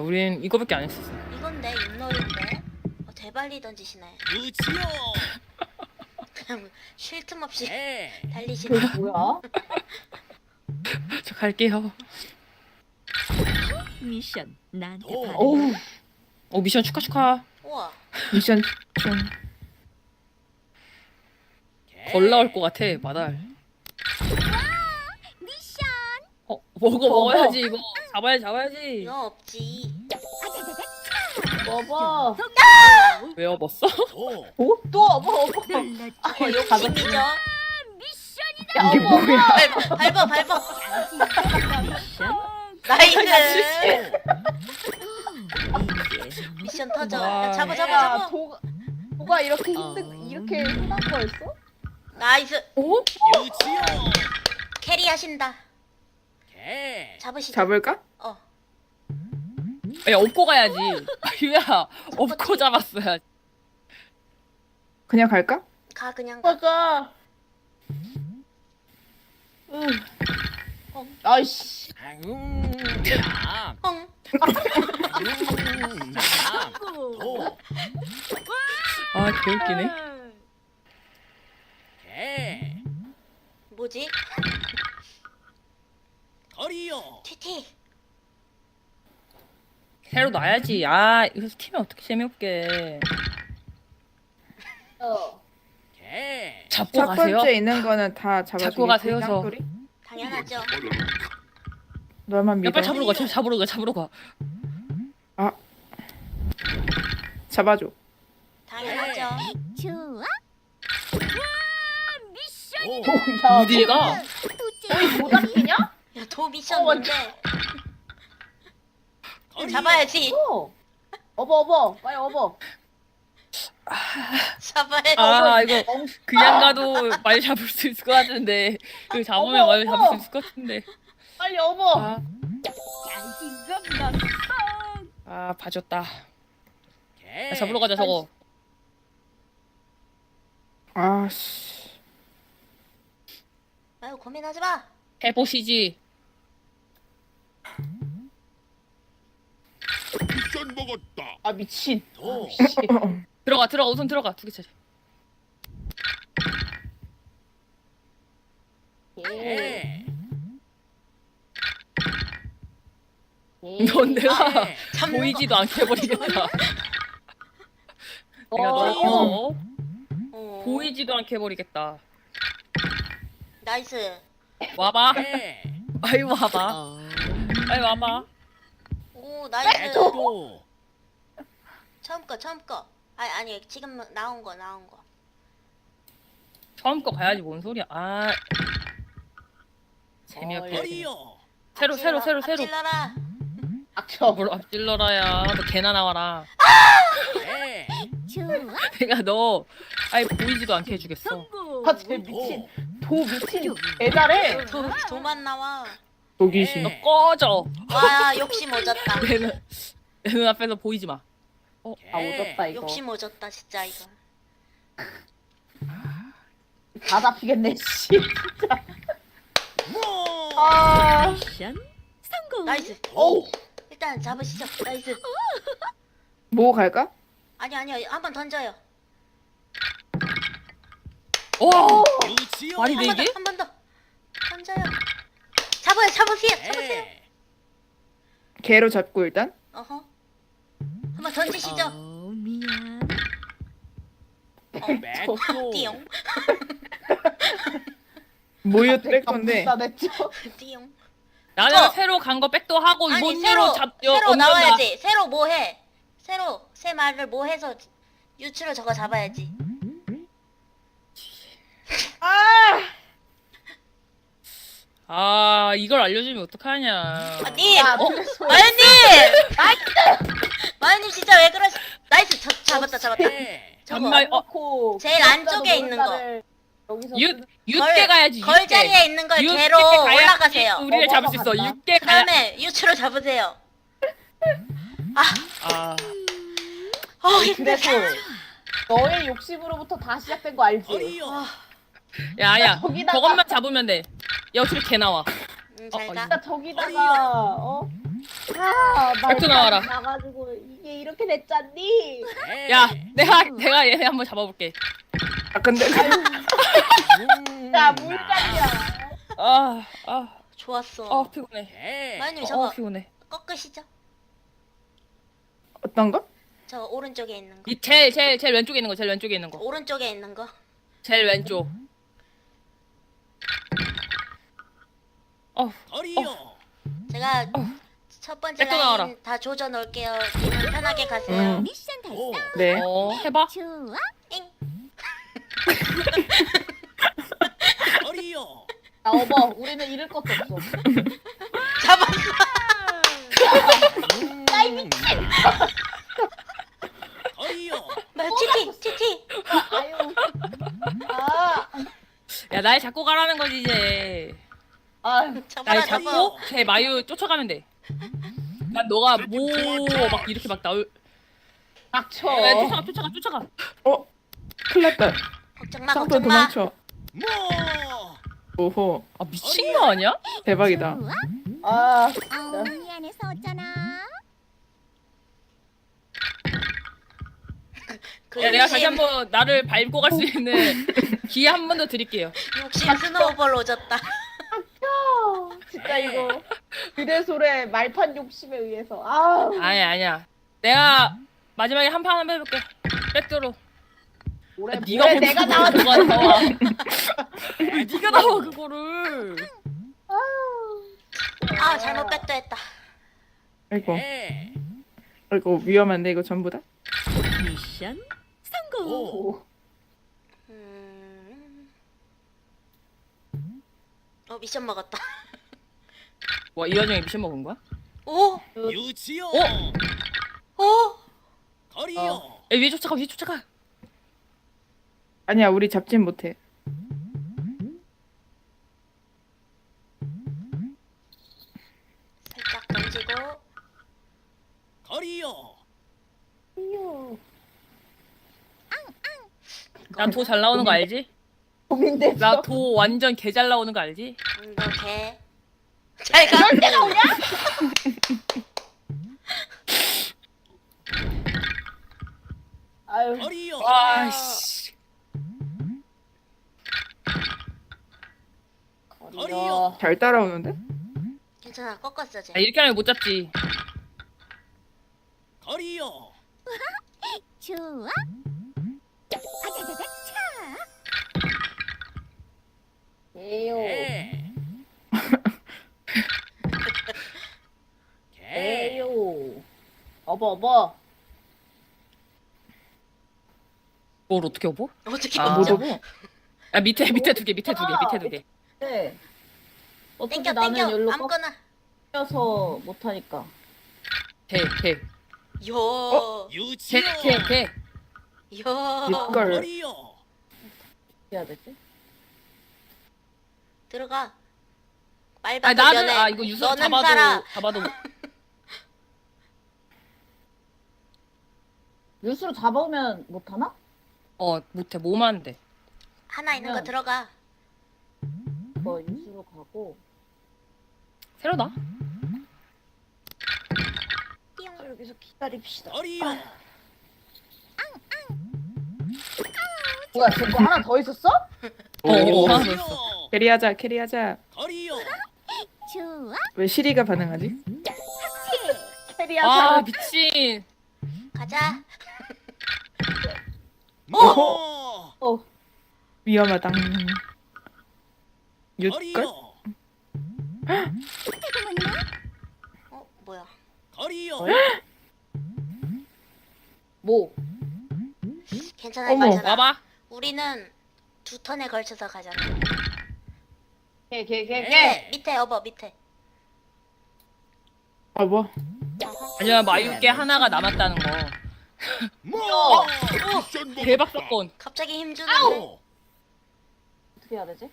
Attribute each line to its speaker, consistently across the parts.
Speaker 1: 우린 이거밖에 안 했었어.
Speaker 2: 이건데 윷놀이인데. 대발리 던지시네.
Speaker 3: 그치요.
Speaker 2: 그냥 쉴 틈 없이
Speaker 3: 네.
Speaker 2: 달리시네.
Speaker 4: 그게 뭐야?
Speaker 1: 저 갈게요.
Speaker 5: 미션 나한테
Speaker 3: 오.
Speaker 5: 받아.
Speaker 4: 어우,
Speaker 1: 미션 축하.
Speaker 2: 우와.
Speaker 4: 미션 좀.
Speaker 1: 벌 나올 것 같아, 마달.
Speaker 5: 미션.
Speaker 1: 먹어야지, 이거. 잡아야지.
Speaker 2: 이거 없지.
Speaker 4: 먹어.
Speaker 1: 왜 업었어?
Speaker 3: 오.
Speaker 4: 오? 또 업어.
Speaker 5: 놀랐죠.
Speaker 2: 욕심이죠.
Speaker 4: 야, 이게 뭐야?
Speaker 2: 밟아.
Speaker 5: 미션.
Speaker 2: 나이스.
Speaker 5: 이게
Speaker 2: 미션 터져.
Speaker 1: 와.
Speaker 2: 야, 잡아.
Speaker 4: 야, 도가 이렇게 이렇게 흔한 거였어?
Speaker 2: 나이스.
Speaker 1: 오?
Speaker 3: 그치요.
Speaker 2: 캐리 하신다.
Speaker 3: 개.
Speaker 2: 잡으시죠.
Speaker 4: 잡을까?
Speaker 1: 야, 업고 가야지. 유야, 업고 잡았어야지.
Speaker 4: 그냥 갈까?
Speaker 2: 가 그냥 가.
Speaker 4: 맞아. 아이씨.
Speaker 3: 양.
Speaker 2: 헝.
Speaker 3: 양. 도.
Speaker 1: 아, 개웃기네.
Speaker 3: 개.
Speaker 2: 뭐지?
Speaker 3: 거리요.
Speaker 2: 티티.
Speaker 1: 새로 놔야지. 이거 팀이 어떻게 재미없게.
Speaker 3: 개.
Speaker 1: 잡고
Speaker 4: 첫
Speaker 1: 가세요.
Speaker 4: 번째 있는 거는 다 잡아주겠지?
Speaker 1: 잡고 가세요, 저.
Speaker 4: 짱돌이?
Speaker 2: 당연하죠.
Speaker 4: 너만
Speaker 1: 야,
Speaker 4: 믿어.
Speaker 1: 빨리 잡으러 가.
Speaker 4: 잡아줘.
Speaker 2: 당연하죠.
Speaker 5: 좋아.
Speaker 3: 오.
Speaker 4: 야,
Speaker 1: 어디에 가?
Speaker 4: 모닥이냐?
Speaker 2: 야, 도 미션 뭔데?
Speaker 3: 거리요.
Speaker 2: 잡아야지.
Speaker 4: 업어. 빨리 업어.
Speaker 2: 잡아야지.
Speaker 1: 이거 그냥 가도 많이 잡을 수 있을 것 같은데. 이거 잡으면 많이 잡을 수 있을 것 같은데.
Speaker 4: 빨리 업어.
Speaker 5: 자신감 났어.
Speaker 1: 봐줬다.
Speaker 3: 개.
Speaker 1: 야, 잡으러 가자, 저거.
Speaker 4: 아씨.
Speaker 2: 아유, 고민하지 마.
Speaker 1: 해보시지.
Speaker 3: 미션 먹었다.
Speaker 4: 아 미친.
Speaker 3: 도.
Speaker 1: 들어가, 우선 들어가. 2개 차례.
Speaker 3: 개.
Speaker 1: 넌 내가
Speaker 2: 잡는
Speaker 1: 보이지도 않게 해버리겠다. 내가
Speaker 4: 어.
Speaker 1: 너
Speaker 2: 어.
Speaker 1: 보이지도 않게 해버리겠다.
Speaker 2: 나이스.
Speaker 1: 와봐.
Speaker 3: 개.
Speaker 1: 아이 와봐. 아이 와봐.
Speaker 2: 오, 나이스.
Speaker 3: 도.
Speaker 2: 처음 거. 아니, 지금 나온 거.
Speaker 1: 처음 거 가야지 뭔 소리야. 재미없게.
Speaker 3: 거리요.
Speaker 1: 새로.
Speaker 2: 앞질러라.
Speaker 4: 악쳐.
Speaker 1: 뭘 앞질러라야. 너 개나 나와라.
Speaker 3: 개.
Speaker 5: 좋아.
Speaker 1: 내가 너 아예 보이지도 않게 해주겠어.
Speaker 5: 성공.
Speaker 4: 아쟤 미친. 도 미친. 애잘해.
Speaker 2: 도만 나와.
Speaker 4: 도귀신.
Speaker 1: 너 꺼져.
Speaker 2: 와, 욕심 오졌다.
Speaker 1: 내 눈앞에서 보이지 마.
Speaker 4: 아 오졌다 이거.
Speaker 2: 욕심 오졌다, 진짜 이거.
Speaker 4: 다 잡히겠네 씨. 진짜.
Speaker 3: 뭐.
Speaker 5: 미션 성공.
Speaker 2: 나이스.
Speaker 4: 오.
Speaker 2: 일단 잡으시죠. 나이스.
Speaker 4: 뭐 갈까?
Speaker 2: 아니요. 한번 던져요.
Speaker 1: 와.
Speaker 3: 그치요.
Speaker 1: 말이 돼 이게?
Speaker 2: 한 번 더. 던져요. 잡으세요.
Speaker 3: 개.
Speaker 4: 개로 잡고 일단.
Speaker 2: 어허. 한번 던지시죠.
Speaker 5: 미안.
Speaker 3: 맥도.
Speaker 2: 띠용.
Speaker 4: 모유 뺄 건데.
Speaker 2: 띠용.
Speaker 1: 나는
Speaker 2: 이거.
Speaker 1: 새로 간 거 백도 하고
Speaker 2: 아니,
Speaker 1: 뭔일로
Speaker 2: 새로
Speaker 1: 얻는다.
Speaker 2: 나와야지. 새로 뭐 해? 새 말을 뭐 해서 유추로 저거 잡아야지.
Speaker 1: 이걸 알려주면 어떡하냐.
Speaker 2: 님!
Speaker 4: 야,
Speaker 2: 마연님! 마연님 진짜 왜 그러시... 나이스! 잡았다.
Speaker 3: 개.
Speaker 2: 저거.
Speaker 1: 정말
Speaker 2: 제일 안쪽에 있는 거.
Speaker 1: 육개 가야지.
Speaker 2: 걸 자리에 있는 걸
Speaker 1: 육개
Speaker 2: 개로
Speaker 1: 가야지
Speaker 2: 올라가세요.
Speaker 1: 우리를 잡을 수 있어.
Speaker 4: 간다.
Speaker 1: 육개 가야.
Speaker 2: 그다음에 유추로 잡으세요. 힘들어.
Speaker 4: 그래서 너의 욕심으로부터 다 시작된 거 알지?
Speaker 3: 거리요.
Speaker 1: 야야.
Speaker 4: 저기다가-
Speaker 1: 저것만 잡으면 돼. 야 어차피 개 나와.
Speaker 2: 잘 가.
Speaker 4: 진짜 저기다가
Speaker 1: 백두 나와라.
Speaker 4: 나가지고 이게 이렇게 됐잖니.
Speaker 3: 네.
Speaker 1: 야, 내가 얘네 한번 잡아볼게.
Speaker 6: 아 근데
Speaker 4: 야 물감이야.
Speaker 2: 좋았어.
Speaker 1: 피곤해.
Speaker 3: 네.
Speaker 2: 마유님 저거
Speaker 1: 피곤해.
Speaker 2: 꺾으시죠?
Speaker 6: 어떤 거?
Speaker 2: 저 오른쪽에 있는 거.
Speaker 1: 이 제일 왼쪽에 있는 거, 제일 왼쪽에 있는 거.
Speaker 2: 오른쪽에 있는 거.
Speaker 1: 제일 왼쪽.
Speaker 3: 거리요.
Speaker 2: 제가 첫 번째
Speaker 1: 백도 나와라.
Speaker 2: 라인 다 조져 놓을게요. 님은 편하게 가세요.
Speaker 5: 미션 달성.
Speaker 3: 오.
Speaker 6: 네.
Speaker 1: 해봐.
Speaker 5: 좋아.
Speaker 2: 잉.
Speaker 3: 거리요.
Speaker 4: 야 어머 우리는 잃을 것도 없어.
Speaker 2: 잡았어.
Speaker 3: 거리요.
Speaker 2: 티티.
Speaker 4: 아유. 아.
Speaker 1: 야, 날 잡고 가라는 거지 이제.
Speaker 4: 아유.
Speaker 2: 잡아라
Speaker 1: 날
Speaker 2: 잡아.
Speaker 1: 잡고 걔 마유 쫓아가면 돼. 난 너가 뭐 막 이렇게 막 나올.
Speaker 4: 닥쳐.
Speaker 1: 야, 쫓아가.
Speaker 6: 어? 큰일 났다.
Speaker 2: 걱정 마
Speaker 6: 쌍도
Speaker 2: 걱정 마.
Speaker 6: 도망쳐.
Speaker 3: 뭐.
Speaker 6: 오호.
Speaker 1: 아, 미친 거 아니야?
Speaker 6: 대박이다.
Speaker 5: 좋아.
Speaker 4: 아.
Speaker 5: 미안해서 어쩌나.
Speaker 2: 그
Speaker 1: 야, 내가 다시
Speaker 2: 욕심,
Speaker 1: 한번 나를 밟고 갈 수 있는 기회 한 번 더 드릴게요.
Speaker 2: 욕심 스노우볼 오졌다.
Speaker 4: 진짜 이거 그대솔의 말판 욕심에 의해서. 아.
Speaker 1: 아니야. 내가 마지막에 한 판 한번 해볼게. 백도로.
Speaker 4: 올해
Speaker 1: 네가
Speaker 4: 올해 내가 나왔.
Speaker 1: 누가 나와? 네가 나와 그거를.
Speaker 2: 아 잘못 백도했다.
Speaker 6: 아이고.
Speaker 3: 네.
Speaker 6: 아이고 위험한데 이거 전부 다?
Speaker 5: 미션 성공.
Speaker 3: 오.
Speaker 2: 미션 먹었다.
Speaker 1: 와, 이 와중에 미션 먹은 거야?
Speaker 2: 오.
Speaker 3: 유치요.
Speaker 2: 오.
Speaker 3: 거리요.
Speaker 1: 야, 위에 쫓아가.
Speaker 6: 아니야 우리 잡진 못해.
Speaker 2: 살짝 던지고.
Speaker 3: 거리요.
Speaker 1: 나 도 잘 나오는 거 알지?
Speaker 4: 고민돼서.
Speaker 1: 나 도 완전 개 잘 나오는 거 알지?
Speaker 2: 이렇게. 잘 가.
Speaker 4: 아유.
Speaker 3: 거리요.
Speaker 1: 아씨.
Speaker 3: 거리요.
Speaker 6: 잘 따라오는데?
Speaker 2: 괜찮아 꺾었어 쟤.
Speaker 1: 야, 이렇게 하면 못 잡지.
Speaker 3: 거리요.
Speaker 5: 좋아. 아자자자 차.
Speaker 4: 에요.
Speaker 3: 네. 개.
Speaker 4: 에요. 어버.
Speaker 1: 뭘 어떻게 업어?
Speaker 2: 어떻게
Speaker 1: 아,
Speaker 2: 먹죠?
Speaker 6: 못 오고.
Speaker 1: 야, 밑에 두 개. 밑에 두 개.
Speaker 4: 네. 어차피
Speaker 2: 땡겨
Speaker 4: 나는
Speaker 2: 땡겨
Speaker 4: 열로
Speaker 2: 아무거나.
Speaker 4: 꺾여서 못하니까.
Speaker 1: 개.
Speaker 2: 요.
Speaker 3: 유치요.
Speaker 1: 개.
Speaker 2: 요.
Speaker 6: 이걸
Speaker 3: 거리요.
Speaker 4: 해야 되지?
Speaker 2: 들어가.
Speaker 1: 아,
Speaker 2: 말바
Speaker 1: 나는
Speaker 2: 면에
Speaker 1: 이거 유수
Speaker 2: 너는 살아.
Speaker 1: 잡아도
Speaker 4: 뉴스로 잡아오면 못하나?
Speaker 1: 못해. 뭐만 안 돼.
Speaker 2: 하나 있는 거
Speaker 4: 그러면-
Speaker 2: 들어가.
Speaker 4: 뭐 뉴스로 가고.
Speaker 1: 새로 나?
Speaker 4: 여기서 기다립시다.
Speaker 3: 거리요.
Speaker 4: 뭐야 저거 하나 더 있었어?
Speaker 6: 오.
Speaker 1: 하나 더
Speaker 3: 거리요.
Speaker 1: 있어.
Speaker 6: 캐리하자.
Speaker 3: 거리요.
Speaker 5: 좋아.
Speaker 6: 왜 시리가 반응하지?
Speaker 4: 캐리야
Speaker 1: 아,
Speaker 4: 사람.
Speaker 1: 미친.
Speaker 2: 가자.
Speaker 3: 뭐.
Speaker 6: 위험하다. 육걸?
Speaker 3: 거리요.
Speaker 2: 뭐야?
Speaker 3: 거리요.
Speaker 4: 뭐?
Speaker 2: 괜찮아
Speaker 6: 어머.
Speaker 2: 괜찮아.
Speaker 1: 와봐.
Speaker 2: 우리는 두 턴에 걸쳐서 가잖아.
Speaker 4: 걔.
Speaker 2: 밑에 업어 밑에.
Speaker 6: 아 뭐?
Speaker 1: 아니야, 마유께 하나가 남았다는 거.
Speaker 3: 뭐. 미션 먹었다.
Speaker 1: 대박 사건.
Speaker 2: 갑자기 힘 주는데.
Speaker 4: 어떻게 해야 되지?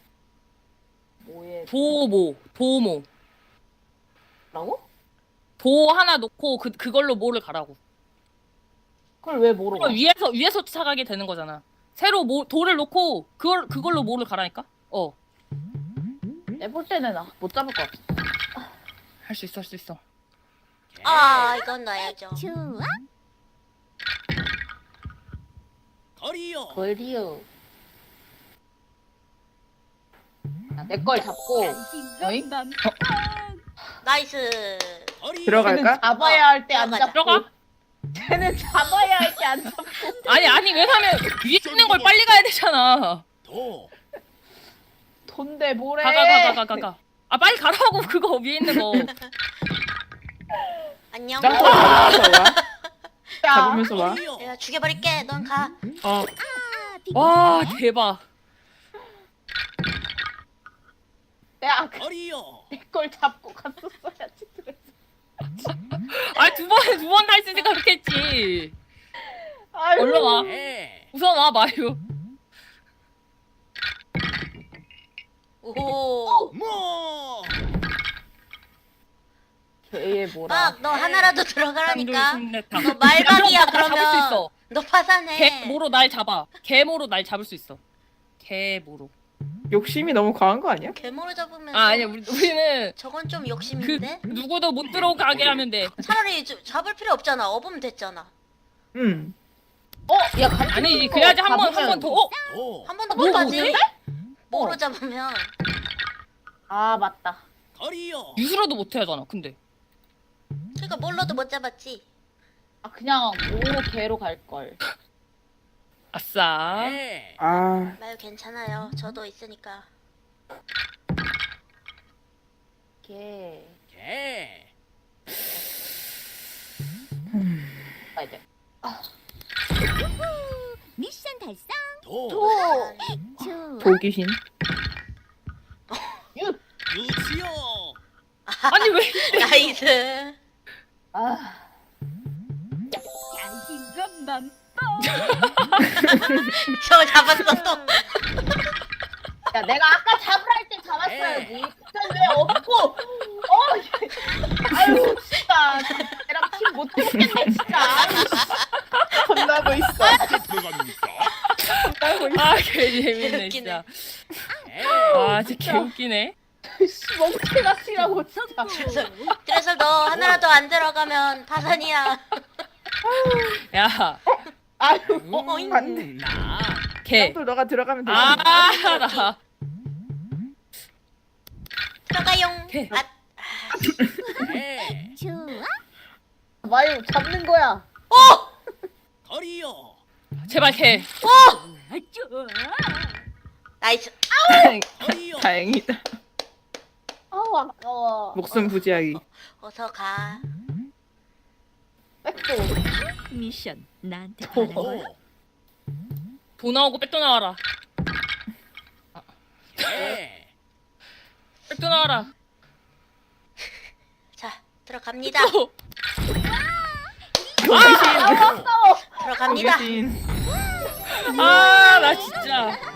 Speaker 4: 뭐에
Speaker 1: 도모.
Speaker 4: 라고?
Speaker 1: 도 하나 놓고 그걸로 뭐를 가라고.
Speaker 4: 그걸 왜 모르고?
Speaker 1: 그럼 위에서 쫓아가게 되는 거잖아. 새로 돌을 놓고 그걸로 뭐를 가라니까?
Speaker 4: 내볼 때는 못 잡을 것 같아.
Speaker 1: 할 수 있어.
Speaker 2: 아 이건 넣어야죠.
Speaker 5: 좋아.
Speaker 3: 거리요.
Speaker 4: 걸리요. 내 걸 잡고. 어잉?
Speaker 2: 나이스.
Speaker 3: 거리요.
Speaker 6: 들어갈까?
Speaker 4: 잡아야 할 때 안
Speaker 2: 들어가자.
Speaker 4: 잡고.
Speaker 1: 들어가.
Speaker 4: 쟤는 잡아야 할 때 안 잡고.
Speaker 1: 아니 왜냐면 위에 있는 걸 빨리 가야 되잖아.
Speaker 3: 도.
Speaker 4: 돈데 뭐래?
Speaker 1: 가. 아 빨리 가라고 그거 위에 있는 거.
Speaker 2: 안녕.
Speaker 6: 짱돌 잡으면서 와.
Speaker 4: 야,
Speaker 6: 잡으면서 와.
Speaker 3: 거리요.
Speaker 2: 내가 죽여버릴게. 넌 가.
Speaker 6: 어.
Speaker 1: 와 대박.
Speaker 4: 내가
Speaker 3: 거리요.
Speaker 4: 내 걸 잡고 갔었어야지. 그래서.
Speaker 1: 아니 두 번 할 수 있으니까 그렇게 했지.
Speaker 4: 아유.
Speaker 1: 얼른 와.
Speaker 3: 개.
Speaker 1: 우선 와 마유.
Speaker 2: 오.
Speaker 3: 뭐.
Speaker 4: 걔의 뭐라?
Speaker 2: 막 너 하나라도 들어가라니까.
Speaker 1: 너
Speaker 2: 너 말박이야
Speaker 1: 잡을 수
Speaker 2: 그러면.
Speaker 1: 있어.
Speaker 2: 너 파산해.
Speaker 1: 개모로 날 잡아. 개모로 날 잡을 수 있어. 개모로.
Speaker 6: 욕심이 너무 과한 거 아니야?
Speaker 2: 괴물을 잡으면.
Speaker 1: 아 아니야 우리는
Speaker 2: 저건 좀
Speaker 1: 그
Speaker 2: 욕심인데.
Speaker 1: 누구도 못 들어가게 하면 돼.
Speaker 2: 차라리 잡을 필요 없잖아. 업으면 됐잖아.
Speaker 6: 응.
Speaker 4: 야, 같이
Speaker 1: 아니지
Speaker 4: 또
Speaker 1: 그래야지 한 번
Speaker 4: 잡으면-
Speaker 1: 더. 어?
Speaker 3: 도.
Speaker 2: 한 번 더
Speaker 1: 뭐,
Speaker 2: 못 가지.
Speaker 1: 뭐지?
Speaker 2: 뭐로 잡으면.
Speaker 4: 아, 맞다.
Speaker 3: 거리요.
Speaker 1: 유수로도 못 하잖아. 근데
Speaker 2: 그러니까 뭘로도 못 잡았지.
Speaker 4: 아, 그냥 오 개로 갈 걸.
Speaker 1: 아싸.
Speaker 3: 개.
Speaker 6: 아,
Speaker 2: 마요 괜찮아요. 저도 있으니까.
Speaker 4: 개.
Speaker 3: 개.
Speaker 4: 아, 이제.
Speaker 5: 미션 달성.
Speaker 3: 도.
Speaker 4: 또
Speaker 5: 좋아.
Speaker 6: 도귀신.
Speaker 3: 유치요.
Speaker 1: 아니 왜?
Speaker 2: 나이스.
Speaker 4: 아,
Speaker 5: 자신감 만.
Speaker 2: 저 잡았어 또.
Speaker 4: 야, 내가 아까 잡으라 할 때 잡았어야지. 근데 왜 없고? 아유, 진짜. 얘랑 팀 못 되겠네, 진짜.
Speaker 6: 혼나고 있어.
Speaker 3: 들어갑니까?
Speaker 6: 혼나고 있어.
Speaker 1: 아 개재밌네
Speaker 2: 웃기네.
Speaker 1: 진짜.
Speaker 3: 개.
Speaker 1: 아 진짜 개웃기네.
Speaker 4: 씨, 멍청이같이라고 진짜.
Speaker 2: 그래서 너 하나라도 안 들어가면 파산이야.
Speaker 1: 야
Speaker 4: 아유,
Speaker 6: 안 돼.
Speaker 3: 나.
Speaker 1: 개.
Speaker 6: 짱돌 너가 들어가면 되지.
Speaker 1: 아 나.
Speaker 2: 들어가용.
Speaker 1: 오케이.
Speaker 2: 아,
Speaker 3: 개.
Speaker 5: 좋아.
Speaker 4: 마유 잡는 거야.
Speaker 3: 거리요.
Speaker 1: 제발 개.
Speaker 5: 좋아.
Speaker 2: 나이스.
Speaker 3: 거리요.
Speaker 6: 다행이다.
Speaker 4: 아우, 아까워.
Speaker 6: 목숨 부지하기.
Speaker 2: 어서 가.
Speaker 4: 백도.
Speaker 5: 미션 나한테
Speaker 6: 도.
Speaker 5: 하는 거야.
Speaker 3: 도.
Speaker 1: 도 나오고 백도 나와라.
Speaker 3: 개.
Speaker 1: 백도 나와라.
Speaker 2: 자 들어갑니다.
Speaker 6: 도귀신.
Speaker 2: 들어갑니다.
Speaker 6: 도귀신.
Speaker 1: 아 나 진짜.